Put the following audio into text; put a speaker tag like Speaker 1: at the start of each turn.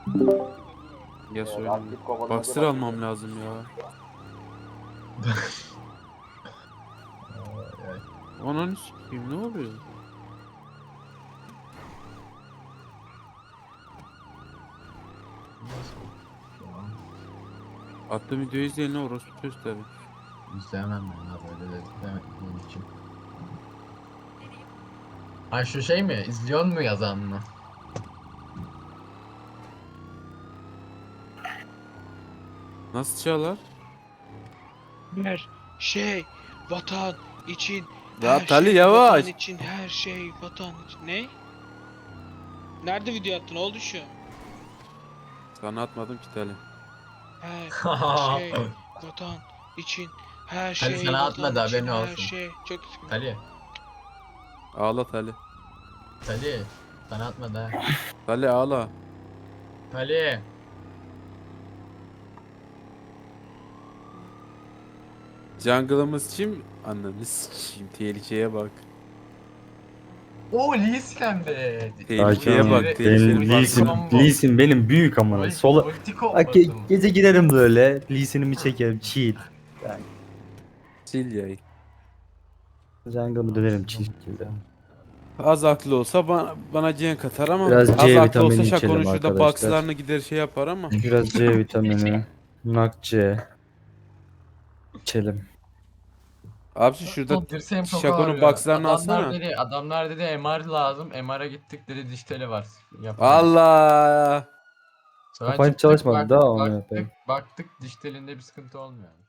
Speaker 1: Ya söyleyeyim.
Speaker 2: Aktif kovalamaca
Speaker 1: Boxer almam lazım ya.
Speaker 3: Ay, ay.
Speaker 1: Ananı sikeyim, ne oluyor?
Speaker 3: Nasıl? Şu an
Speaker 1: Attığım videoyu izleyenler orospu gösterir.
Speaker 3: İzleyemem ben ya böyle de izlemediğim için. Ay şu şey mi? İzliyor mu yazan mı?
Speaker 1: Nasıl çalar?
Speaker 4: Her şey vatan için,
Speaker 1: Ya
Speaker 4: her
Speaker 1: Tali,
Speaker 4: şey
Speaker 1: yavaş.
Speaker 4: vatan için, her şey vatan için. Ne? Nerede video attın? Oldu şu.
Speaker 1: Sana atmadım ki Tali.
Speaker 4: Her şey vatan için, her
Speaker 3: Hadi
Speaker 4: şey
Speaker 3: sana
Speaker 4: vatan
Speaker 3: atmadı,
Speaker 4: için,
Speaker 3: haberin
Speaker 4: her
Speaker 3: olsun.
Speaker 4: şey. Çok üzgünüm.
Speaker 3: Tali.
Speaker 1: Ağla Tali.
Speaker 3: Tali. Sana atmadı ha.
Speaker 1: Tali ağla.
Speaker 3: Tali.
Speaker 1: Jungle'ımız kim? Ananı sikeyim, tehlikeye bak.
Speaker 3: Oo Lee Sin de.
Speaker 1: Tehlikeye
Speaker 5: Sakin ol.
Speaker 1: bak, tehlikeye
Speaker 5: Benim
Speaker 1: bak.
Speaker 5: Lee Sin benim büyük amına. Sola
Speaker 3: Ulti
Speaker 5: Bak,
Speaker 3: kombosu.
Speaker 5: gece giderim böyle. Lee Sin'imi çekerim. Chill.
Speaker 1: Sil yayı.
Speaker 5: Jungle'ımı dönerim chill şekilde.
Speaker 1: Az aklı olsa bana cenk atar ama
Speaker 5: Biraz
Speaker 1: az
Speaker 5: C
Speaker 1: aklı olsa
Speaker 5: vitamini
Speaker 1: Şako'nun
Speaker 5: içelim
Speaker 1: şurada
Speaker 5: arkadaşlar.
Speaker 1: boxlarını gider şey yapar ama.
Speaker 5: Biraz C vitamini. Nak C. İçelim.
Speaker 1: Abi şurada
Speaker 3: Dirseğim çok
Speaker 1: Şako'nun
Speaker 3: ağrıyor.
Speaker 1: boxlarını alsana.
Speaker 3: Adamlar dedi MR lazım. MR'a gittik dedi diş teli var. Yapamayız.
Speaker 1: Allah.
Speaker 3: Sonra
Speaker 5: Kafayı
Speaker 3: çıktık,
Speaker 5: çalışmadı daha onu yapayım.
Speaker 3: baktık diş telinde bir sıkıntı olmuyor.